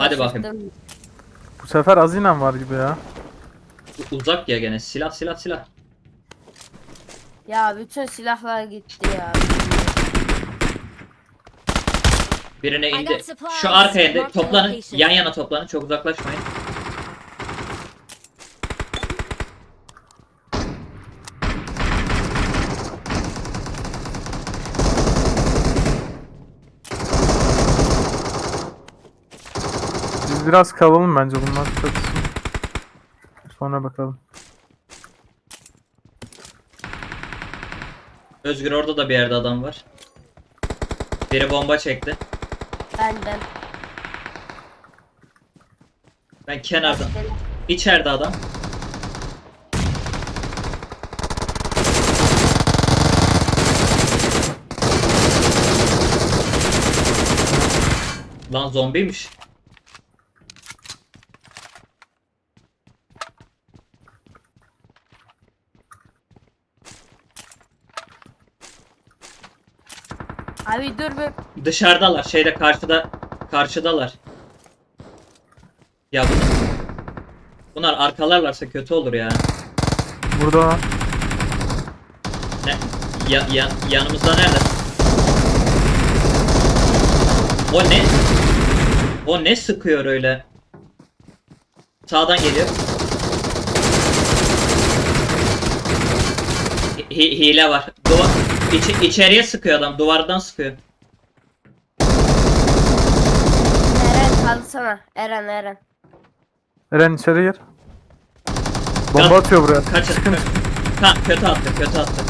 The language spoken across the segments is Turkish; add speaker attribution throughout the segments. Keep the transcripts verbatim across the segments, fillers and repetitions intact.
Speaker 1: Hadi bakayım.
Speaker 2: Şaşırttın.
Speaker 3: Bu sefer azinen var gibi ya.
Speaker 1: U- Uzak ya gene. Silah silah silah.
Speaker 2: Ya bütün silahlar gitti ya.
Speaker 1: Birine
Speaker 4: I
Speaker 1: indi.
Speaker 4: got supplies.
Speaker 1: Şu arkaya indi.
Speaker 4: Mark the
Speaker 1: Toplanın.
Speaker 4: location.
Speaker 1: Yan yana toplanın. Çok uzaklaşmayın.
Speaker 3: Biz biraz kalalım bence bunlar çatışsın. Sonra bakalım.
Speaker 1: Özgür orada da bir yerde adam var. Biri bomba çekti.
Speaker 2: Benden.
Speaker 1: Ben kenardan. İçeride adam. Lan zombiymiş.
Speaker 2: Abi dur bir.
Speaker 1: Dışarıdalar. Şeyde karşıda. Karşıdalar. Ya bunlar, bunlar arkalarlarsa kötü olur ya.
Speaker 3: Burada
Speaker 1: Ne? Ya, ya, yanımızda nerede? O ne? O ne sıkıyor öyle? Sağdan geliyor. Hi- hile var. Duvar içi, içeriye sıkıyor adam. Duvardan sıkıyor.
Speaker 2: Eren kalsana. Eren Eren.
Speaker 3: Eren içeri gir. Bomba
Speaker 1: Kaç-
Speaker 3: atıyor buraya.
Speaker 1: Kaçın. Ha, kötü attı, kötü attı.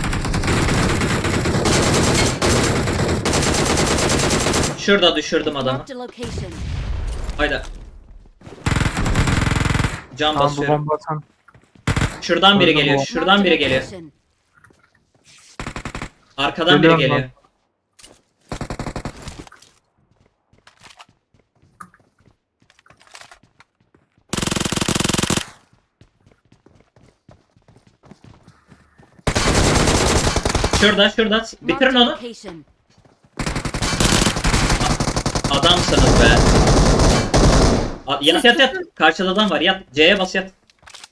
Speaker 1: Şurada düşürdüm adamı.
Speaker 4: Marked a location.
Speaker 1: Hayda. Can
Speaker 3: Tamam bu
Speaker 1: basıyorum.
Speaker 3: bomba atan.
Speaker 1: Şuradan biri
Speaker 3: Öldüm
Speaker 1: geliyor.
Speaker 3: bu.
Speaker 1: Şuradan
Speaker 4: Marked a
Speaker 1: biri geliyor.
Speaker 4: location.
Speaker 1: Arkadan biri
Speaker 3: Geliyorum
Speaker 1: geliyor.
Speaker 3: ben.
Speaker 1: Şurada, şurada. Bitirin
Speaker 4: Marked a
Speaker 1: onu.
Speaker 4: location.
Speaker 1: Adamsınız be. A- Yat yat yat. Karşıda adam var. Yat. C'ye bas yat.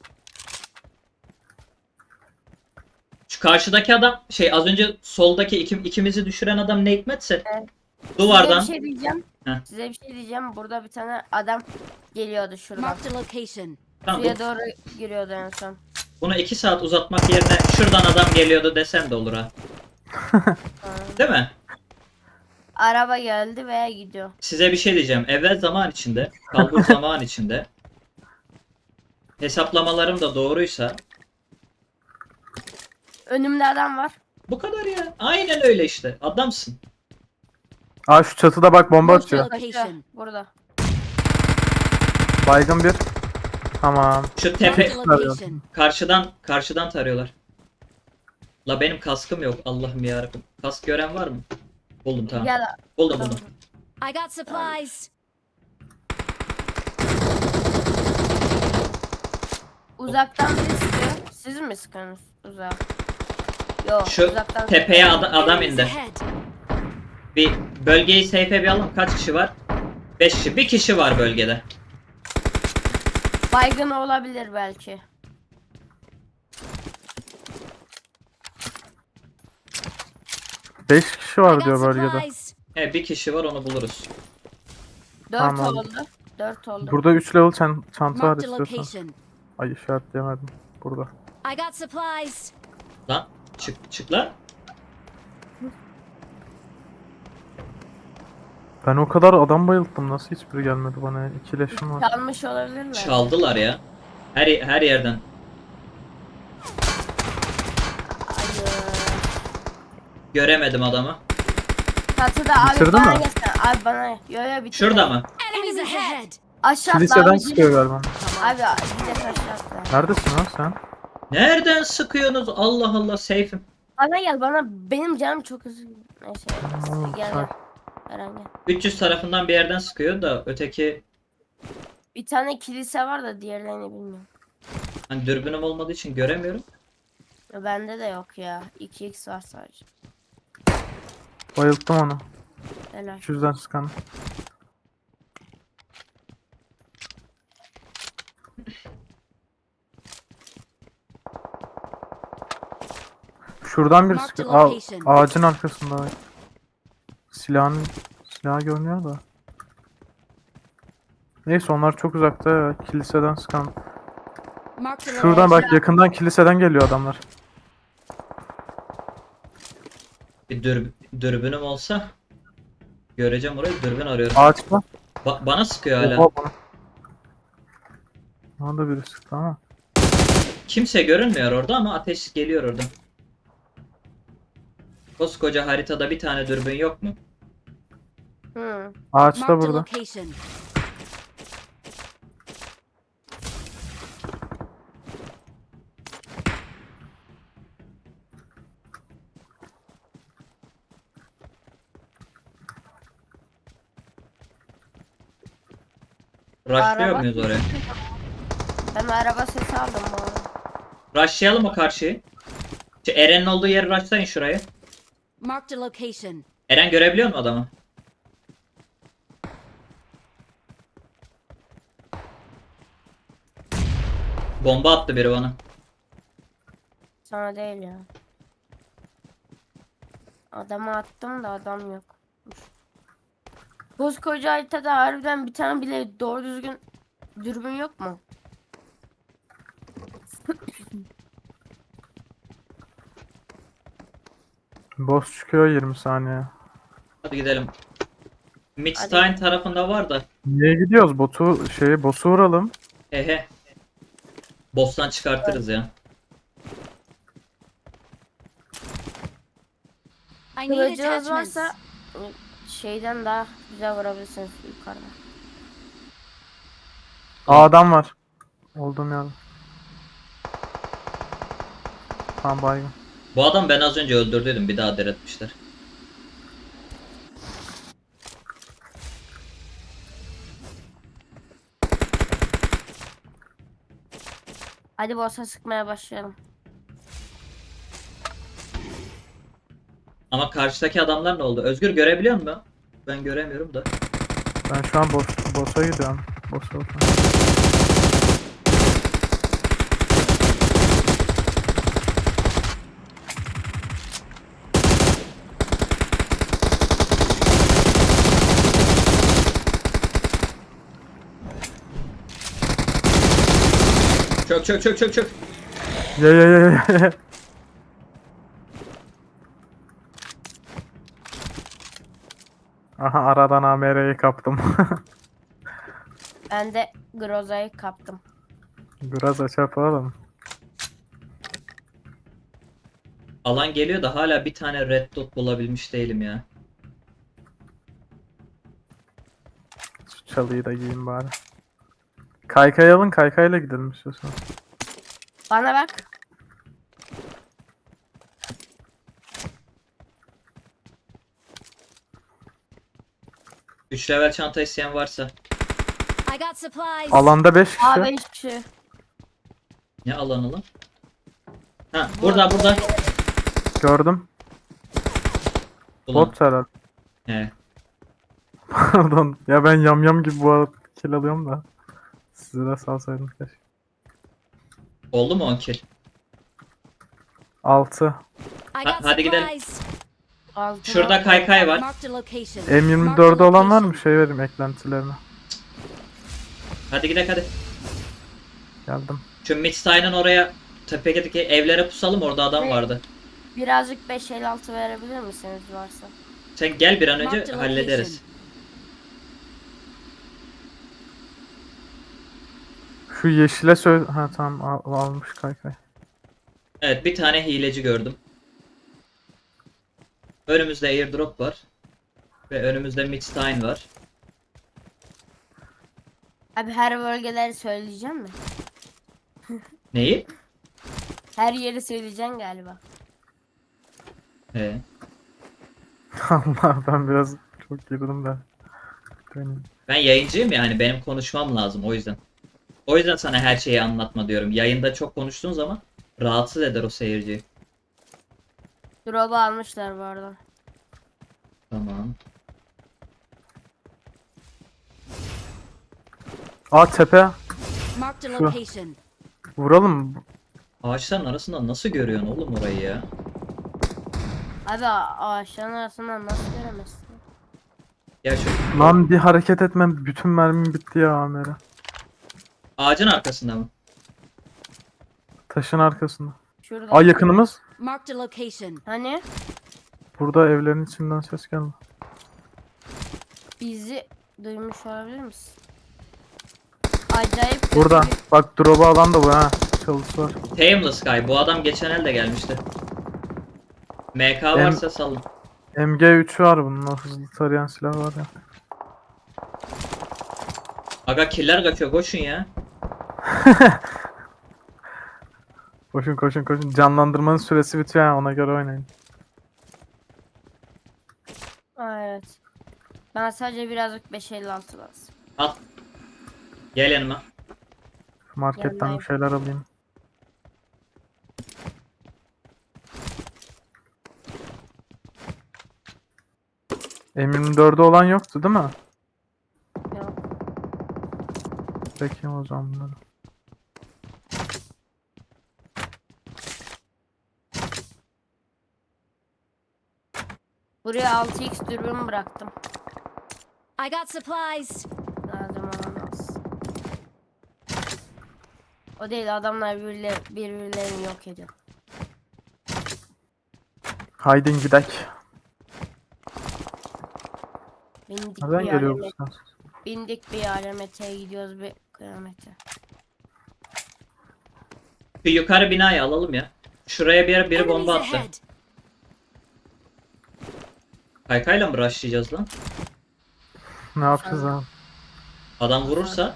Speaker 1: Şu karşıdaki adam şey az önce soldaki iki, ikimizi düşüren adam ne hikmetse
Speaker 2: Evet.
Speaker 1: duvardan
Speaker 2: Size bir şey diyeceğim.
Speaker 1: Heh.
Speaker 2: Size bir şey diyeceğim. Burada bir tane adam geliyordu şuradan.
Speaker 4: Marked a location.
Speaker 1: tamam, bu-
Speaker 2: Suya doğru giriyordu en son.
Speaker 1: bunu iki saat uzatmak yerine şuradan adam geliyordu desen de olur ha. Değil mi?
Speaker 2: Araba geldi veya gidiyor.
Speaker 1: Size bir şey diyeceğim. Evvel zaman içinde, kalbur zaman içinde hesaplamalarım da doğruysa
Speaker 2: Önümde adam var.
Speaker 1: bu kadar ya. Aynen öyle işte. Adamsın.
Speaker 3: Aa şu çatıda bak bomba
Speaker 4: Marked a
Speaker 3: atıyor.
Speaker 4: location.
Speaker 2: Burada.
Speaker 3: Baygın bir. Tamam.
Speaker 1: Şu
Speaker 4: Marked
Speaker 1: tepe
Speaker 4: a location.
Speaker 1: karşıdan karşıdan tarıyorlar. La benim kaskım yok. Allah'ım yarabbim. Kask gören var mı? Buldum tamam.
Speaker 2: Gel.
Speaker 1: Buldum buldum.
Speaker 4: I got supplies.
Speaker 2: Uzaktan biri sıkıyor. Siz mi sıkıyorsunuz uzağa? Yok
Speaker 1: Şu
Speaker 2: uzaktan.
Speaker 1: tepeye ad- adam
Speaker 4: Enemies
Speaker 1: indi.
Speaker 4: ahead.
Speaker 1: Bir bölgeyi safe'e bir alın. Kaç kişi var? beş kişi. Bir kişi var bölgede.
Speaker 2: Baygın olabilir belki.
Speaker 3: beş kişi
Speaker 4: I
Speaker 3: var
Speaker 4: got
Speaker 3: diyor bölgede.
Speaker 4: supplies.
Speaker 1: He bir kişi var onu buluruz.
Speaker 2: Dört
Speaker 3: Tamam.
Speaker 2: oldu. Dört oldu.
Speaker 3: Burada üç level çan çanta var
Speaker 4: Marked a
Speaker 3: istiyorsan.
Speaker 4: location.
Speaker 3: Ay işaretleyemedim. Burada.
Speaker 4: I got supplies.
Speaker 1: Lan çık çık lan.
Speaker 3: Ben o kadar adam bayılttım. Nasıl hiçbiri gelmedi bana ya? İki leşim var.
Speaker 2: Çalmış olabilir mi?
Speaker 1: Çaldılar ya. Her her yerden.
Speaker 2: Hayır.
Speaker 1: Göremedim adamı.
Speaker 2: Çatıda abi
Speaker 3: Bitirdin
Speaker 2: bana
Speaker 3: mi?
Speaker 2: gelsene. Abi bana. Yo yo bitirdim.
Speaker 1: Şurada mı?
Speaker 4: Enemies ahead.
Speaker 2: Aşağı atla
Speaker 3: Kiliseden
Speaker 2: abi.
Speaker 3: sıkıyor galiba.
Speaker 2: Abi bir de aşağı atla.
Speaker 3: Neredesin lan sen?
Speaker 1: Nereden sıkıyorsunuz? Allah Allah safe'im.
Speaker 2: Bana gel bana. Benim canım çok hızlı. Neyse.
Speaker 3: Tamam,
Speaker 2: Gel gel.
Speaker 3: sakin.
Speaker 2: Eren gel.
Speaker 1: üç yüz tarafından bir yerden sıkıyor da öteki
Speaker 2: Bir tane kilise var da diğerlerini bilmiyorum.
Speaker 1: hani dürbünüm olmadığı için göremiyorum.
Speaker 2: Ya bende de yok ya. iki x var sadece.
Speaker 3: Bayılttım onu.
Speaker 2: Helal.
Speaker 3: üç yüzden çıkan. Şuradan bir
Speaker 4: Mark the
Speaker 3: sıkıyor. Aa,
Speaker 4: location.
Speaker 3: ağacın arkasında. Silahın silah görünüyor da. Neyse onlar çok uzakta ya. Kiliseden sıkan.
Speaker 4: Mark the
Speaker 3: Şuradan
Speaker 4: location.
Speaker 3: bak yakından kiliseden geliyor adamlar.
Speaker 1: Bir dür, dürbünüm olsa göreceğim orayı. Dürbün arıyorum.
Speaker 3: Ağaçta.
Speaker 1: Ba- bana sıkıyor hala.
Speaker 3: Oha bana. Bana da biri sıktı ama.
Speaker 1: Kimse görünmüyor orada ama ateş geliyor oradan. Koskoca haritada bir tane dürbün yok mu?
Speaker 2: Hı.
Speaker 3: Ağaçta
Speaker 4: Mark the
Speaker 3: burada.
Speaker 4: location.
Speaker 1: Rushlıyor
Speaker 2: Araba-
Speaker 1: muyuz oraya?
Speaker 2: Ben araba sesi aldım bu arada.
Speaker 1: Rushlayalım mı karşıyı? Şu Eren'in olduğu yeri rushlayın şurayı.
Speaker 4: Mark the location.
Speaker 1: Eren görebiliyor mu adamı? Bomba attı biri bana.
Speaker 2: Sana değil ya. Adamı attım da adam yok. Koskoca haritada harbiden bir tane bile doğru düzgün dürbün yok mu?
Speaker 3: Boss çıkıyor yirmi saniye.
Speaker 1: Hadi gidelim. Midstein tarafında var da.
Speaker 3: Niye gidiyoruz? Botu şeyi boss'u vuralım.
Speaker 1: Hehe. Boss'tan çıkartırız ya.
Speaker 4: I need
Speaker 2: Kılıcınız
Speaker 4: attachments.
Speaker 2: varsa şeyden daha güzel vurabilirsiniz yukarıda.
Speaker 3: Aa adam var. Olduğum yerde. Tamam baygın.
Speaker 1: Bu adam ben az önce öldürdüydüm. Bir daha diretmişler.
Speaker 2: Hadi boss'a sıkmaya başlayalım.
Speaker 1: Ama karşıdaki adamlar ne oldu? Özgür görebiliyor musun? Ben göremiyorum da.
Speaker 3: Ben şu an boss, boss'a gidiyorum. Boss'a bakıyorum.
Speaker 1: Çök çök çök çök çök.
Speaker 3: Ye ye ye ye, ye. Aha aradan A M R'yi kaptım.
Speaker 2: Ben de Groza'yı kaptım.
Speaker 3: Biraz aç yapalım.
Speaker 1: Alan geliyor da hala bir tane red dot bulabilmiş değilim ya.
Speaker 3: Şu çalıyı da giyeyim bari. Kaykay alın, kaykayla gidelim istiyorsan.
Speaker 2: Bana bak.
Speaker 1: üç level çanta isteyen varsa.
Speaker 4: I got supplies.
Speaker 3: Alanda beş kişi.
Speaker 2: Aa beş kişi.
Speaker 1: Ne alanı lan? Ha burada burada.
Speaker 3: Gördüm.
Speaker 1: Ulan.
Speaker 3: Bot herhalde.
Speaker 1: He.
Speaker 3: Pardon. Ya ben yamyam gibi bu arada kill alıyorum da. Size de salsaydım keşke.
Speaker 1: Oldu mu on kill?
Speaker 3: altı.
Speaker 4: I
Speaker 1: Ha-
Speaker 4: got
Speaker 1: hadi gidelim.
Speaker 4: supplies.
Speaker 2: Altına-
Speaker 1: Şurada kaykay var.
Speaker 4: Mark the location.
Speaker 3: M
Speaker 4: Mark
Speaker 3: yirmi
Speaker 4: the
Speaker 3: dördü olan var mı?
Speaker 4: location.
Speaker 3: Şey vereyim eklentilerine.
Speaker 1: Hadi gidelim hadi.
Speaker 3: Geldim.
Speaker 1: Şu Midstein'ın oraya tepedeki evlere pusalım, orada adam
Speaker 2: Ne?
Speaker 1: vardı.
Speaker 2: Birazcık beş el altı verebilir misiniz varsa?
Speaker 1: Sen gel bir an
Speaker 4: Mark
Speaker 1: önce
Speaker 4: the
Speaker 1: hallederiz.
Speaker 3: Şu yeşile söyle... Ha tamam al- almış kaykay.
Speaker 1: Evet, bir tane hileci gördüm. Önümüzde airdrop var. Ve önümüzde Midstein var.
Speaker 2: Abi her bölgeleri söyleyeceğim mi?
Speaker 1: Neyi?
Speaker 2: Her yeri söyleyeceksin galiba.
Speaker 1: He.
Speaker 3: Allah ben biraz çok girdim de. Döneyim.
Speaker 1: Ben yayıncıyım ya, hani benim konuşmam lazım o yüzden. O yüzden sana her şeyi anlatma diyorum. Yayında çok konuştuğun zaman rahatsız eder o seyirciyi.
Speaker 2: Drop'u almışlar bu arada.
Speaker 1: Tamam.
Speaker 3: Aa tepe.
Speaker 4: Mark Marked a
Speaker 3: Şu.
Speaker 4: location.
Speaker 3: Vuralım mı?
Speaker 1: Ağaçların arasından nasıl görüyorsun oğlum orayı ya?
Speaker 2: Abi a- ağaçların arasından nasıl göremezsin?
Speaker 1: Ya şu
Speaker 3: Lan bir hareket etmem bütün mermim bitti ya Amer'e.
Speaker 1: ağacın arkasında mı?
Speaker 3: Taşın arkasında.
Speaker 2: Şurada.
Speaker 3: Ay yakınımız.
Speaker 4: Marked a location.
Speaker 2: Hani
Speaker 3: Burada evlerin içinden ses geldi.
Speaker 2: bizi duymuş olabilir misin? Acayip kötü
Speaker 3: Burada.
Speaker 2: bir-
Speaker 3: Bak drop'u alan da bu ha. Çalısı var.
Speaker 1: Tameless Sky. Bu adam geçen elde gelmişti. M K
Speaker 3: Em-
Speaker 1: varsa salın.
Speaker 3: M G üç var bunun. O hızlı tarayan silah var ya.
Speaker 1: Aga killer kaçıyor koşun ya.
Speaker 3: Koşun koşun koşun. Canlandırmanın süresi bitiyor ya, ona göre oynayın.
Speaker 2: Aa, evet. Bana sadece birazcık beş elli altı lazım.
Speaker 1: Al. Gel yanıma.
Speaker 3: Marketten
Speaker 2: Yanındayım.
Speaker 3: bir şeyler alayım. M yirmi dördü olan yoktu değil mi?
Speaker 2: Yok.
Speaker 3: Peki o zaman bunları.
Speaker 2: Buraya altı x dürbün bıraktım.
Speaker 4: I got supplies.
Speaker 2: Lazım olan olsun. O değil, adamlar birbirle, birbirlerini yok ediyor.
Speaker 3: Haydin gidek.
Speaker 2: Bindik
Speaker 3: Nereden
Speaker 2: bir
Speaker 3: geliyor bu
Speaker 2: aleme,
Speaker 3: ses?
Speaker 2: bindik bir alemete gidiyoruz bir kıyamete.
Speaker 1: Şu yukarı binayı alalım ya. Şuraya bir yere biri
Speaker 4: Enemies
Speaker 1: bomba attı.
Speaker 4: ahead.
Speaker 1: Kaykayla mı rushlayacağız lan?
Speaker 3: Ne yapacağız abi?
Speaker 1: Adam vurursa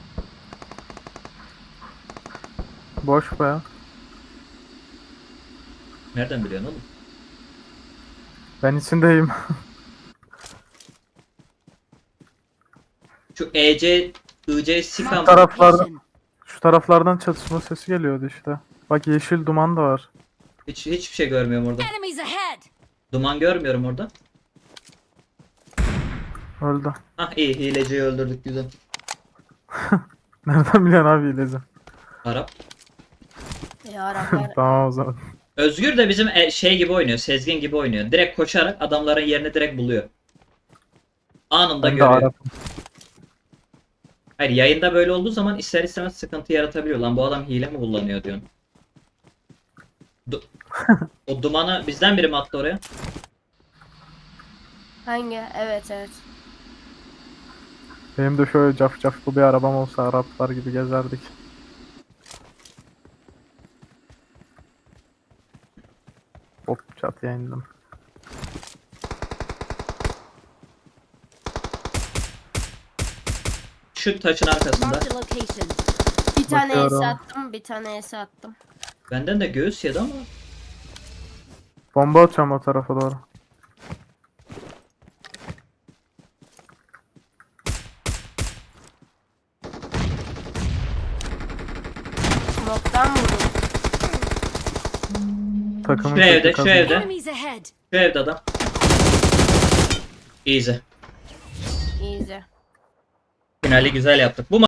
Speaker 3: Boş be ya.
Speaker 1: nereden biliyorsun oğlum?
Speaker 3: Ben içindeyim.
Speaker 1: Şu E C, I C Sikam.
Speaker 4: Marked a
Speaker 3: taraflarda-
Speaker 4: location.
Speaker 3: Şu taraflardan çatışma sesi geliyordu işte. Bak yeşil duman da var.
Speaker 1: Hiç hiçbir şey görmüyorum orada.
Speaker 4: Enemies ahead.
Speaker 1: Duman görmüyorum orada.
Speaker 3: Öldü.
Speaker 1: Ah iyi, hileciyi öldürdük güzel.
Speaker 3: Nereden biliyorsun abi ilacı?
Speaker 1: Arap.
Speaker 2: Ya Araplar
Speaker 3: Tamam o zaman.
Speaker 1: Özgür de bizim e- şey gibi oynuyor, Sezgin gibi oynuyor. Direkt koşarak adamların yerini direkt buluyor. Anında
Speaker 3: Ben de
Speaker 1: görüyor.
Speaker 3: Arap'ım.
Speaker 1: Hayır, yayında böyle olduğu zaman ister istemez sıkıntı yaratabiliyor. Lan bu adam hile mi kullanıyor diyorsun. Du- o dumanı bizden biri mi attı oraya?
Speaker 2: hangi? Evet evet.
Speaker 3: Benim de şöyle caf caflı bir arabam olsa Araplar gibi gezerdik. Hop çatıya indim.
Speaker 1: Şu taşın arkasında.
Speaker 4: Marked a location.
Speaker 2: Bir tane
Speaker 3: Bakıyorum.
Speaker 2: es attım, bir tane es attım.
Speaker 1: Benden de göğüs yedi ama.
Speaker 3: Bomba atıyorum o tarafa doğru.
Speaker 2: Smoke'tan vurdum.
Speaker 3: Takımın
Speaker 1: Şu evde,
Speaker 3: kötü
Speaker 1: şu
Speaker 3: kazandı.
Speaker 1: evde.
Speaker 4: Enemies ahead.
Speaker 1: Şu evde adam. Easy.
Speaker 2: Easy.
Speaker 1: Finali güzel yaptık. Bu